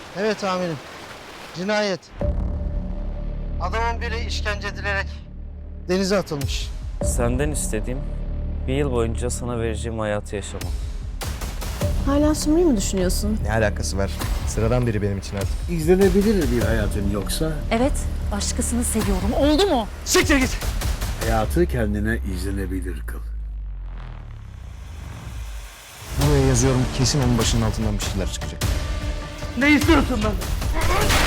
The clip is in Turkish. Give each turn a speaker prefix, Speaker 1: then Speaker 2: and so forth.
Speaker 1: Evet amirim. Cinayet. Adamın biri işkence edilerek denize atılmış.
Speaker 2: Senden istediğim bir yıl boyunca sana vereceğim hayatı yaşamam.
Speaker 3: Hala Sumru'yu mu düşünüyorsun?
Speaker 4: Ne alakası var? Sıradan biri benim için artık.
Speaker 5: İzlenebilir bir hayatın yoksa
Speaker 6: Evet, başkasını seviyorum. Oldu mu?
Speaker 1: Siktir git.
Speaker 5: hayatı kendine izlenebilir kıl.
Speaker 4: Buraya yazıyorum, kesin onun başının altından bir şeyler çıkacak.
Speaker 1: Ne istiyorsun lan?